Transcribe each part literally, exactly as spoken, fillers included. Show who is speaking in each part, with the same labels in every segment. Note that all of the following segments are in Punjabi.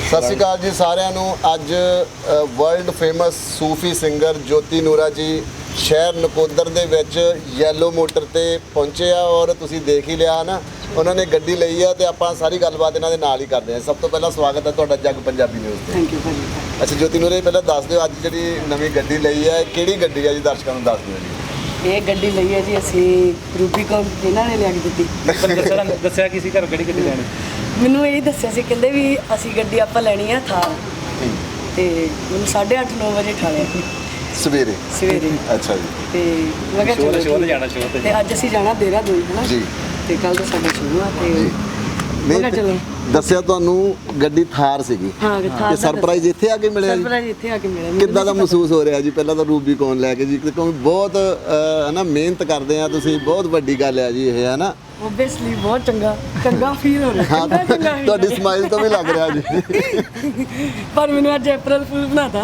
Speaker 1: ਸਤਿ ਸ਼੍ਰੀ ਅਕਾਲ ਜੀ ਸਾਰਿਆਂ ਨੂੰ। ਅੱਜ world famous Sufi singer Jyoti Nooran ji ਸ਼ਹਿਰ ਨਕੋਦਰ ਦੇ ਵਿੱਚ ਯੈਲੋ ਮੋਟਰ ਤੇ ਪਹੁੰਚੇ ਆ ਔਰ ਤੁਸੀਂ ਦੇਖ ਹੀ ਲਿਆ ਨਾ, ਉਹਨਾਂ ਨੇ ਗੱਡੀ ਲਈ ਆ ਤੇ ਆਪਾਂ ਸਾਰੀ ਗੱਲਬਾਤ ਇਹਨਾਂ ਦੇ ਨਾਲ ਹੀ ਕਰਦੇ ਹਾਂ। ਸਭ ਤੋਂ ਪਹਿਲਾਂ ਸਵਾਗਤ ਹੈ ਤੁਹਾਡਾ ਜੱਗ ਪੰਜਾਬੀ ਨਿਊਜ਼ ਤੇ।
Speaker 2: ਥੈਂਕ ਯੂ ਭਾਜੀ।
Speaker 1: ਅੱਛਾ ਜੋਤੀ ਨੂਰਾ ਜੀ, ਪਹਿਲਾਂ ਦੱਸ ਦਿਓ ਅੱਜ ਜਿਹੜੀ ਨਵੀਂ ਗੱਡੀ ਲਈ ਹੈ ਕਿਹੜੀ ਗੱਡੀ ਹੈ ਜੀ, ਦਰਸ਼ਕਾਂ ਨੂੰ ਦੱਸ ਦਿਓ ਜੀ।
Speaker 2: ਇਹ ਗੱਡੀ ਲਈ ਹੈ ਜੀ ਅਸੀਂ ਰੂਬੀਕੌਨ, ਇਹਨਾਂ ਨੇ ਲਿਆ ਕੇ ਦਿੱਤੀ।
Speaker 3: ਦੱਸਿਆ ਦੱਸਿਆ ਕਿਸੇ ਘਰ ਕਿਹੜੀ ਗੱਡੀ ਲੈਣੀ?
Speaker 2: ਮੈਨੂੰ ਇਹ ਦੱਸਿਆ ਸੀ, ਕਹਿੰਦੇ ਵੀ ਅਸੀਂ ਗੱਡੀ ਆਪਾਂ ਲੈਣੀ ਆ ਥਾਰ, ਤੇ ਮੈਨੂੰ ਸਾਢੇ ਅੱਠ ਨੌ ਵਜੇ ਠਾਲਿਆ
Speaker 1: ਸਵੇਰੇ
Speaker 2: ਸਵੇਰੇ।
Speaker 1: ਅੱਛਾ ਜੀ।
Speaker 2: ਤੇ ਮੈਂ ਕਿਹਾ
Speaker 3: ਸ਼ੋਅ
Speaker 2: ਚਲੋ
Speaker 3: ਸ਼ੋਅ ਤੇ ਜਾਣਾ ਸ਼ੋਅ ਤੇ
Speaker 2: ਤੇ ਅੱਜ ਅਸੀਂ ਜਾਣਾ ਦੇਹਰਾਦੂਨ ਹੈ ਨਾ
Speaker 1: ਜੀ,
Speaker 2: ਤੇ ਕੱਲ ਤੋਂ ਸਾਡਾ ਸ਼ੁਰੂ ਆ ਤੇ
Speaker 1: ਨਹੀਂ
Speaker 2: ਮੈਂ ਕਿਹਾ ਚਲੋ।
Speaker 1: ਦੱਸਿਆ ਤੁਹਾਨੂੰ ਗੱਡੀ ਥਾਰ ਸੀਗੀ
Speaker 2: ਹਾਂ ਥਾਰ
Speaker 1: ਤੇ ਸਰਪ੍ਰਾਈਜ਼ ਇੱਥੇ ਆ ਕੇ ਮਿਲਿਆ ਜੀ।
Speaker 2: ਸਰਪ੍ਰਾਈਜ਼ ਇੱਥੇ ਆ ਕੇ ਮਿਲਿਆ। ਮੈਨੂੰ
Speaker 1: ਕਿੱਦਾਂ ਦਾ
Speaker 2: ਨਹੀਂ
Speaker 1: ਮਹਿਸੂਸ ਹੋ ਰਿਹਾ ਜੀ? ਪਹਿਲਾਂ ਤਾਂ ਰੂਬੀਕੌਨ ਲੈ ਕੇ ਜੀ, ਕਿਉਂਕਿ ਬਹੁਤ ਹੈ ਨਾ ਮਿਹਨਤ ਕਰਦੇ ਆ ਤੁਸੀਂ, ਬਹੁਤ ਵੱਡੀ ਗੱਲ ਹੈ ਜੀ ਇਹ, ਹੈ ਨਾ।
Speaker 2: ਓਬਵੀਅਸਲੀ ਬਹੁਤ ਚੰਗਾ ਚੰਗਾ ਫੀਲ ਹੋ ਰਿਹਾ।
Speaker 1: ਹਾਂ,
Speaker 2: ਚੰਗਾ ਚੰਗਾ feel
Speaker 1: ਤੁਹਾਡੀ
Speaker 2: ਹੋ ਰਿਹਾ।
Speaker 1: ਸਮਾਈਲ ਤੋਂ ਵੀ ਲੱਗ ਰਿਹਾ ਜੀ।
Speaker 2: ਪਰ ਮੈਨੂੰ ਅੱਜ ਅਪ੍ਰੈਲ ਫੁੱਲ ਬਣਾਤਾ।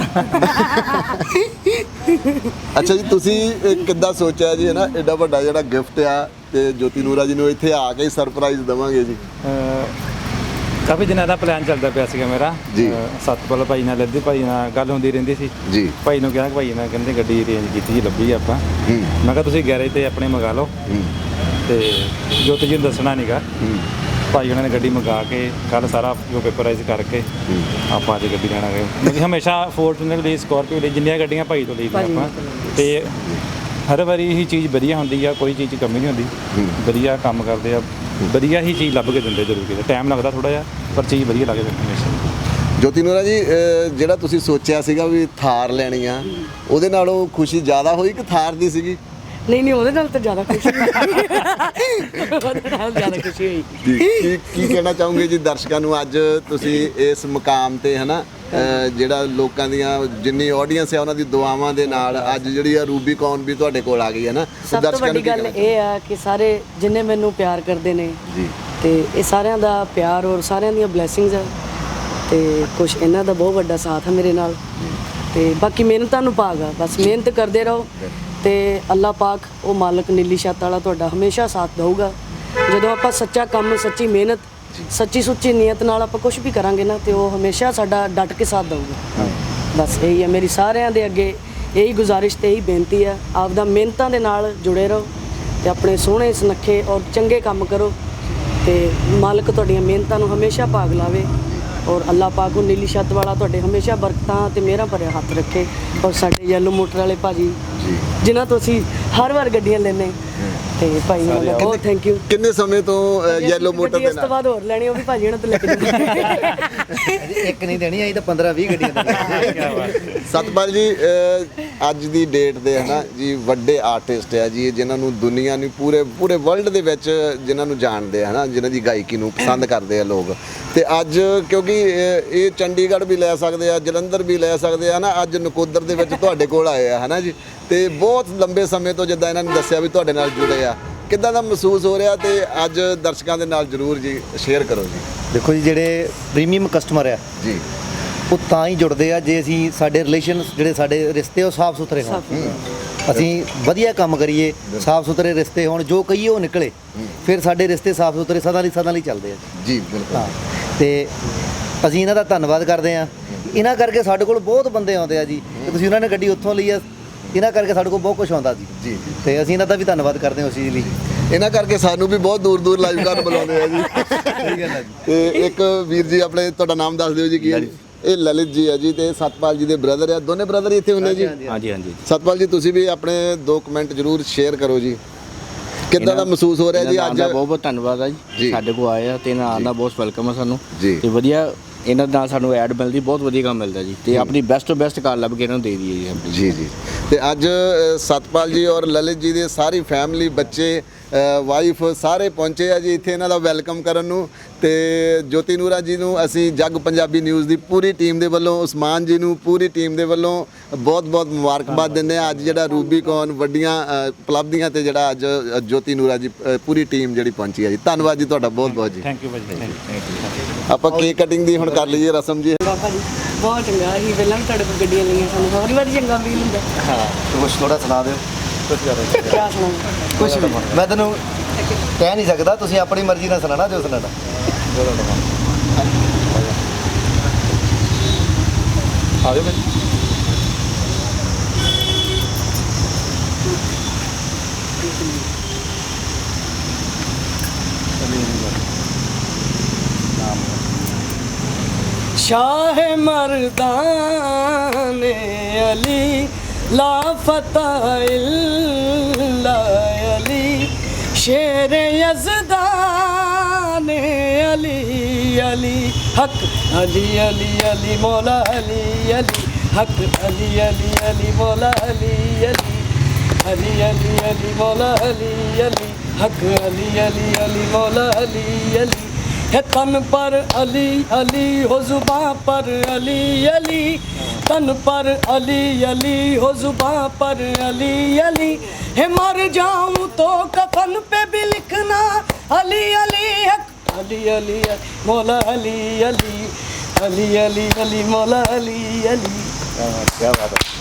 Speaker 1: ਅੱਛਾ ਜੀ, ਤੁਸੀਂ ਇਹ ਕਿੱਦਾਂ ਸੋਚਿਆ ਜੀ, ਹੈ ਨਾ, ਐਡਾ ਵੱਡਾ ਜਿਹੜਾ ਗਿਫਟ ਆ ਤੇ ਜੋਤੀ ਨੂਰਾ ਜੀ ਨੂੰ ਇੱਥੇ ਆ ਕੇ ਸਰਪ੍ਰਾਈਜ਼ ਦੇਵਾਂਗੇ ਜੀ?
Speaker 3: ਕਾਫੀ ਦਿਨਾਂ ਦਾ ਪਲਾਨ ਚੱਲਦਾ ਪਿਆ ਸੀਗਾ ਮੇਰਾ
Speaker 1: ਜੀ।
Speaker 3: ਸਤਪਾਲ ਭਾਈ ਨਾਲ, ਲੱਦੇ ਭਾਈ ਨਾਲ ਗੱਲ ਹੁੰਦੀ ਰਹਿੰਦੀ ਸੀ
Speaker 1: ਜੀ।
Speaker 3: ਭਾਈ ਨੂੰ ਕਿਹਾ ਕਿ ਭਾਈ ਨਾਲ ਕਹਿੰਦੇ ਗੱਡੀ ਅਰੇਂਜ ਕੀਤੀ ਜੀ, ਲੱਭੀ ਆਪਾਂ।
Speaker 1: ਹੂੰ
Speaker 3: ਮੈਂ ਕਿਹਾ ਤੁਸੀਂ ਗੈਰੇਜ ਤੇ ਆਪਣੇ ਮੰਗਾ ਲਓ
Speaker 1: ਹੂੰ
Speaker 3: ਤੇ ਜੋਤੀ ਜੀ ਨੂੰ ਦੱਸਣਾ ਨਹੀਂਗਾ।
Speaker 1: ਹੂੰ
Speaker 3: ਭਾਈ ਉਹਨਾਂ ਨੇ ਗੱਡੀ ਮੰਗਾ ਕੇ ਕੱਲ ਸਾਰਾ ਜੋ ਪੇਪਰਾਈਜ਼ ਕਰਕੇ ਆਪਾਂ ਅੱਜ ਗੱਡੀ ਲੈਣਾ ਗਏ। ਕਿਉਂਕਿ ਹਮੇਸ਼ਾ ਫੋਰਚੂਨਰ ਲਈ, ਸਕਾਰਪੀਓ ਲਈ, ਜਿੰਨੀਆਂ ਗੱਡੀਆਂ ਭਾਈ ਤੋਂ ਲਈਆਂ ਆਪਾਂ, ਤੇ ਹਰ ਵਾਰੀ ਇਹੀ ਚੀਜ਼ ਵਧੀਆ ਹੁੰਦੀ ਆ, ਕੋਈ ਚੀਜ਼ 'ਚ ਕਮੀ ਨਹੀਂ ਹੁੰਦੀ। ਵਧੀਆ ਕੰਮ ਕਰਦੇ ਆ, ਵਧੀਆ ਹੀ ਚੀਜ਼ ਲੱਭ ਕੇ ਦਿੰਦੇ। ਜ਼ਰੂਰ ਕਿਤੇ ਟਾਈਮ ਲੱਗਦਾ ਥੋੜਾ ਜਿਹਾ, ਪਰ ਚੀਜ਼ ਵਧੀਆ ਲੱਗਦੀ ਹਮੇਸ਼ਾ।
Speaker 1: ਜੋਤੀ ਨੂਰਾ ਜੀ, ਅਹ ਜਿਹੜਾ ਤੁਸੀਂ ਸੋਚਿਆ ਸੀਗਾ ਵੀ ਥਾਰ ਲੈਣੀ ਆ, ਉਹਦੇ ਨਾਲੋਂ ਖੁਸ਼ੀ ਜ਼ਿਆਦਾ ਹੋਈ ਕਿ ਥਾਰ ਦੀ ਸੀਗੀ?
Speaker 2: ਨਹੀਂ ਨਹੀਂ, ਉਹਦੇ ਨਾਲ ਤਾਂ ਜ਼ਿਆਦਾ ਖੁਸ਼ੀ ਹੋਈ। ਉਹਦੇ ਨਾਲ ਜ਼ਿਆਦਾ ਖੁਸ਼ੀ ਹੋਈ।
Speaker 1: ਕੀ ਕੀ- ਕੀ ਕਹਿਣਾ ਚਾਹੋਗੇ ਜੀ ਦਰਸ਼ਕਾਂ ਨੂੰ? ਅੱਜ ਤੁਸੀਂ ਇਸ ਮੁਕਾਮ ਤੇ, ਹੈ ਨਾ, ਅਹ ਜਿਹੜਾ ਲੋਕਾਂ ਦੀਆਂ ਜਿੰਨੀ ਆਡੀਅנס ਹੈ ਉਹਨਾਂ ਦੀ ਦੁਆਵਾਂ ਦੇ ਨਾਲ ਅੱਜ ਜਿਹੜੀ ਆ ਰੂਬੀਕੌਨ ਵੀ ਤੁਹਾਡੇ ਕੋਲ ਆ ਗਈ, ਹੈ ਨਾ।
Speaker 2: ਸਭ ਤੋਂ ਵੱਡੀ ਗੱਲ ਇਹ ਆ ਕਿ ਸਾਰੇ ਜਿੰਨੇ ਮੈਨੂੰ ਪਿਆਰ ਕਰਦੇ ਨੇ
Speaker 1: ਜੀ,
Speaker 2: ਤੇ ਇਹ ਸਾਰਿਆਂ ਦਾ ਪਿਆਰ ਔਰ ਸਾਰਿਆਂ ਦੀਆਂ ਬਲੇਸਿੰਗਸ ਆ, ਤੇ ਕੁਝ ਇਹਨਾਂ ਦਾ ਬਹੁਤ ਵੱਡਾ ਸਾਥ ਹੈ ਮੇਰੇ ਨਾਲ, ਤੇ ਬਾਕੀ ਮਿਹਨਤਾਂ ਨੂੰ ਭਾਗ ਆ। ਬਸ ਮਿਹਨਤ ਕਰਦੇ ਰਹੋ ਤੇ ਅੱਲਾਹ ਪਾਕ ਉਹ ਮਾਲਕ ਨੀਲੀ ਛੱਤ ਵਾਲਾ ਤੁਹਾਡਾ ਹਮੇਸ਼ਾ ਸਾਥ ਦਊਗਾ। ਜਦੋਂ ਆਪਾਂ ਸੱਚਾ ਕੰਮ, ਸੱਚੀ ਮਿਹਨਤ, ਸੱਚੀ ਸੁੱਚੀ ਨੀਅਤ ਨਾਲ ਆਪਾਂ ਕੁਝ ਵੀ ਕਰਾਂਗੇ ਨਾ, ਤੇ ਉਹ ਹਮੇਸ਼ਾ ਸਾਡਾ ਡਟ ਕੇ ਸਾਥ ਦਊਗਾ। ਬਸ ਇਹੀ ਹੈ ਮੇਰੀ ਸਾਰਿਆਂ ਦੇ ਅੱਗੇ ਇਹੀ ਗੁਜ਼ਾਰਿਸ਼ ਤੇ ਇਹੀ ਬੇਨਤੀ ਹੈ, ਆਪਦਾ ਮਿਹਨਤਾਂ ਦੇ ਨਾਲ ਜੁੜੇ ਰਹੋ ਤੇ ਆਪਣੇ ਸੋਹਣੇ ਸੁਨੱਖੇ ਔਰ ਚੰਗੇ ਕੰਮ ਕਰੋ, ਤੇ ਮਾਲਕ ਤੁਹਾਡੀਆਂ ਮਿਹਨਤਾਂ ਨੂੰ ਹਮੇਸ਼ਾ ਭਾਗ ਲਾਵੇ ਔਰ ਅੱਲਾਹ ਪਾਕ ਉਹ ਨੀਲੀ ਛੱਤ ਵਾਲਾ ਤੁਹਾਡੇ ਹਮੇਸ਼ਾ ਬਰਕਤਾਂ ਤੇ ਮਿਹਰਾਂ ਭਰਿਆ ਹੱਥ ਰੱਖੇ। ਔਰ ਸਾਡੇ ਯੈਲੋ ਮੋਟਰ ਵਾਲੇ ਭਾਜੀ ਜਿਨ੍ਹਾਂ ਤੋਂ ਅਸੀਂ ਹਰ ਵਾਰ ਗੱਡੀਆਂ ਲੈਂਦੇ, ਤੇ ਭਾਈ ਉਹਨਾਂ ਦਾ ਬਹੁਤ ਥੈਂਕ ਯੂ।
Speaker 1: ਕਿੰਨੇ ਸਮੇਂ ਤੋਂ ਯੈਲੋ ਮੋਟਰ ਦੇ
Speaker 2: ਇਸ ਤੋਂ ਬਾਅਦ ਹੋਰ ਲੈਣੀ, ਉਹ ਵੀ ਭਾਜੀ ਉਹਨਾਂ ਤੋਂ ਲੈ ਕੇ ਜਾਣੀ।
Speaker 4: ਇੱਕ ਨਹੀਂ ਦੇਣੀ, ਅਸੀਂ ਤਾਂ ਪੰਦਰਾਂ ਵੀਹ ਗੱਡੀਆਂ ਦੇਣੀਆਂ।
Speaker 1: ਸਤਪਾਲ ਜੀ, ਅਹ ਅੱਜ ਦੀ ਡੇਟ ਦੇ, ਹੈ ਨਾ ਜੀ, ਵੱਡੇ ਆਰਟਿਸਟ ਆ ਜੀ, ਜਿਨ੍ਹਾਂ ਨੂੰ ਦੁਨੀਆ ਨੂੰ ਪੂਰੇ ਪੂਰੇ ਵਰਲਡ ਦੇ ਵਿੱਚ ਜਿਨ੍ਹਾਂ ਨੂੰ ਜਾਣਦੇ ਆ, ਹੈ ਨਾ, ਜਿਨ੍ਹਾਂ ਦੀ ਗਾਇਕੀ ਨੂੰ ਪਸੰਦ ਕਰਦੇ ਆ ਲੋਕ। ਤੇ ਅੱਜ ਕਿਉਂਕਿ ਇਹ ਇਹ ਚੰਡੀਗੜ੍ਹ ਵੀ ਲੈ ਸਕਦੇ ਆ, ਜਲੰਧਰ ਵੀ ਲੈ ਸਕਦੇ ਆ ਨਾ, ਅੱਜ ਨਕੋਦਰ ਦੇ ਵਿੱਚ ਤੁਹਾਡੇ ਕੋਲ ਆਏ ਆ, ਹੈ ਨਾ ਜੀ। ਤੇ ਬਹੁਤ ਲੰਬੇ ਸਮੇਂ ਤੋਂ ਜਿੱਦਾਂ ਇਹਨਾਂ ਨੇ ਦੱਸਿਆ ਵੀ ਤੁਹਾਡੇ ਨਾਲ ਜੁੜੇ ਆ, ਕਿੱਦਾਂ ਦਾ ਮਹਿਸੂਸ ਹੋ ਰਿਹਾ? ਤੇ ਅੱਜ ਦਰਸ਼ਕਾਂ ਦੇ ਨਾਲ ਜ਼ਰੂਰ ਜੀ ਸ਼ੇਅਰ ਕਰੋ ਜੀ।
Speaker 4: ਦੇਖੋ ਜੀ, ਜਿਹੜੇ ਪ੍ਰੀਮੀਅਮ ਕਸਟਮਰ ਆ
Speaker 1: ਜੀ,
Speaker 4: ਉਹ ਤਾਂ ਹੀ ਜੁੜਦੇ ਆ ਜੇ ਅਸੀਂ, ਸਾਡੇ ਰਿਲੇਸ਼ਨ, ਜਿਹੜੇ ਸਾਡੇ ਰਿਸ਼ਤੇ ਉਹ ਸਾਫ਼ ਸੁਥਰੇ ਹੋਣ, ਅਸੀਂ ਵਧੀਆ ਕੰਮ ਕਰੀਏ, ਸਾਫ਼ ਸੁਥਰੇ ਰਿਸ਼ਤੇ ਹੋਣ, ਜੋ ਕਹੀਏ ਉਹ ਨਿਕਲੇ, ਫਿਰ ਸਾਡੇ ਰਿਸ਼ਤੇ ਸਾਫ਼ ਸੁਥਰੇ ਸਦਾ ਲਈ ਸਦਾ ਲਈ ਚੱਲਦੇ ਆ
Speaker 1: ਜੀ ਬਿਲਕੁਲ।
Speaker 4: ਹਾਂ, ਤੇ ਅਸੀਂ ਇਹਨਾਂ ਦਾ ਧੰਨਵਾਦ ਕਰਦੇ ਆ। ਇਹਨਾਂ ਕਰਕੇ ਸਾਡੇ ਕੋਲ ਬਹੁਤ ਬੰਦੇ ਆਉਂਦੇ ਆ ਜੀ, ਤੇ ਤੁਸੀਂ ਉਹਨਾਂ ਨੇ ਗੱਡੀ ਉੱਥੋਂ ਲਈ ਆ, ਇਹਨਾਂ ਕਰਕੇ ਸਾਡੇ ਕੋਲ ਬਹੁਤ ਕੁਝ ਆਉਂਦਾ ਜੀ।
Speaker 1: ਜੀ,
Speaker 4: ਤੇ ਅਸੀਂ ਇਹਨਾਂ ਦਾ ਵੀ ਧੰਨਵਾਦ ਕਰਦੇ ਹਾਂ ਉਸ ਚੀਜ਼ ਲਈ।
Speaker 1: ਇਹਨਾਂ ਕਰਕੇ ਸਾਨੂੰ ਵੀ ਬਹੁਤ ਦੂਰ ਦੂਰ ਲਾਈਵ ਕਰਨ ਬੁਲਾਉਂਦੇ ਆ ਜੀ।
Speaker 4: ਠੀਕ ਹੈ ਜੀ।
Speaker 1: ਤੇ ਇੱਕ ਵੀਰ ਜੀ, ਆਪਣੇ ਤੁਹਾਡਾ ਨਾਮ ਦੱਸ ਦਿਓ ਜੀ ਕੀ ਹੈ? ਇਹ ਲਲਿਤ ਜੀ ਹੈ ਜੀ, ਤੇ ਸਤਪਾਲ ਜੀ ਦੇ ਬ੍ਰਦਰ ਆ, ਦੋਨੇ ਬ੍ਰਦਰ ਹੀ ਇੱਥੇ ਹੁੰਦੇ ਜੀ?
Speaker 3: ਹਾਂਜੀ ਹਾਂਜੀ।
Speaker 1: ਸਤਪਾਲ ਜੀ, ਤੁਸੀਂ ਵੀ ਆਪਣੇ ਦੋ ਕਮੈਂਟ ਜ਼ਰੂਰ ਸ਼ੇਅਰ ਕਰੋ ਜੀ। ਕਿੱਦਾਂ ਦਾ ਮਹਿਸੂਸ ਹੋ ਰਿਹਾ ਜੀ ਅੱਜ?
Speaker 5: ਬਹੁਤ ਬਹੁਤ ਧੰਨਵਾਦ ਆ ਜੀ, ਸਾਡੇ ਕੋਲ ਆਏ ਆ ਤੇ ਇਹਨਾਂ ਆਉਣ ਦਾ ਬਹੁਤ ਵੈਲਕਮ ਆ ਸਾਨੂੰ
Speaker 1: ਜੀ।
Speaker 5: ਤੇ ਵਧੀਆ ਇਹਨਾਂ ਨਾਲ ਸਾਨੂੰ ਐਡ ਮਿਲਦੀ, ਬਹੁਤ ਵਧੀਆ ਕੰਮ ਮਿਲਦਾ ਜੀ, ਤੇ ਆਪਣੀ ਬੈਸਟ ਤੋਂ ਬੈਸਟ ਕਾਰ ਲੱਭ ਕੇ ਇਹਨਾਂ ਨੂੰ ਦੇ ਦਈਏ ਜੀ ਆਪਣੀ।
Speaker 1: ਜੀ ਜੀ। ਤੇ ਅੱਜ ਸਤਪਾਲ ਜੀ ਔਰ ਲਲਿਤ ਜੀ ਦੀ ਸਾਰੀ ਫੈਮਿਲੀ, ਬੱਚੇ, ਵਾਈਫ ਸਾਰੇ ਪਹੁੰਚੇ ਆ ਜੀ ਇੱਥੇ ਇਹਨਾਂ ਦਾ ਵੈਲਕਮ ਕਰਨ ਨੂੰ। ਤੇ ਜੋਤੀ ਨੂਰਾ ਜੀ ਨੂੰ ਅਸੀਂ ਜੱਗ ਪੰਜਾਬੀ ਨਿਊਜ਼ ਦੀ ਪੂਰੀ ਟੀਮ ਦੇ ਵੱਲੋਂ, ਉਸਮਾਨ ਜੀ ਨੂੰ ਪੂਰੀ ਟੀਮ ਦੇ ਵੱਲੋਂ ਬਹੁਤ ਬਹੁਤ ਮੁਬਾਰਕਬਾਦ ਦਿੰਦੇ ਆ। ਅੱਜ ਜਿਹੜਾ ਰੂਬੀਕੌਨ ਵੱਡੀਆਂ ਉਪਲਬਧੀਆਂ ਤੇ ਜਿਹੜਾ ਅੱਜ ਜੋਤੀ ਨੂਰਾ ਜੀ ਪੂਰੀ ਟੀਮ ਜਿਹੜੀ ਪਹੁੰਚੀ ਆ ਜੀ। ਧੰਨਵਾਦ ਜੀ ਤੁਹਾਡਾ ਬਹੁਤ ਬਹੁਤ ਜੀ।
Speaker 3: ਥੈਂਕ ਯੂ ਭਾਜੀ, ਥੈਂਕ ਯੂ।
Speaker 1: ਆਪਾਂ ਕੇਕ ਕਟਿੰਗ ਦੀ ਹੁਣ ਕਰ ਲਈਏ ਰਸਮ ਜੀ।
Speaker 2: ਬਾਬਾ ਜੀ ਬਹੁਤ ਚੰਗਾ, ਅਸੀਂ ਪਹਿਲਾਂ ਵੀ ਤੁਹਾਡੇ ਕੋਲ ਗੱਡੀਆਂ ਲਈਆਂ, ਸਾਨੂੰ ਹੋਰ ਵਾਰੀ ਚੰਗਾ ਫੀਲ ਹੁੰਦਾ।
Speaker 4: ਹਾਂ, ਕੁਝ ਥੋੜਾ ਸੁਣਾ ਦਿਓ। ਕੁਝ ਕਰ
Speaker 2: ਕਿਆ ਸੁਣਾਵਾਂ?
Speaker 4: ਕੁਝ ਵੀ ਮੈਂ ਤੈਨੂੰ ਕਹਿ ਨਹੀਂ ਸਕਦਾ, ਤੁਸੀਂ ਆਪਣੀ ਮਰਜ਼ੀ ਨਾਲ ਸੁਣਾਣਾ ਜੋ ਸੁਣਾਣਾ।
Speaker 3: ਆ ਜਾਓ ਭਾਜੀ।
Speaker 2: शाह मर्दान अली ला फतह इल्ला अली शेर यज़दान अली अली हक अली अली अली मौला अली अली हक अली अली अली मौला अली अली अली अली अली मौला अली अली हक अली अली अली मौला अली अली है तन पर अली अली हो जुबां पर अली अली तन पर अली अली हो जुबां पर अली अली है मर जाऊं तो कफन पे भी लिखना अली अली हक अली अली मौला अली अली अली अली अली मौला अली अली।
Speaker 3: क्या बात है।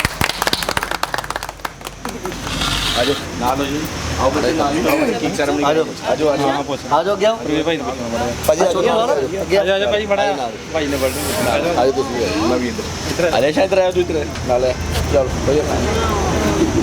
Speaker 3: आजो ਨਾਲ ਹੋ ਜੀ ਆਓ ਬੱਚੇ ਨਾਲ ਹੀ ਕੀ ਸੈਰਮਨੀ ਆਜੋ ਆਜੋ ਆਜੋ ਹਾਂ ਪੁੱਛ
Speaker 4: ਆ ਜਾਓ, ਅੱਗੇ ਆਓ।
Speaker 3: ਵੀਰ ਭਾਈ ਨੂੰ ਪੁੱਛਣਾ ਬੜਾ
Speaker 1: ਭਾਜੀ ਆ ਜਾਓ
Speaker 4: ਅੱਗੇ
Speaker 3: ਆਜੋ ਆਜੋ ਭਾਈ ਬੜਾ ਭਾਈ ਨੇ ਬੜਾ
Speaker 1: ਆਜੋ ਤੁਸੀਂ
Speaker 3: ਮੈਂ ਵੀ ਇੱਧਰ ਆ ਜਾ ਸ਼ਾਇਦ ਰਹਿ ਤੂੰ ਇੱਧਰ
Speaker 1: ਨਾਲ ਚਲ ਭਾਈ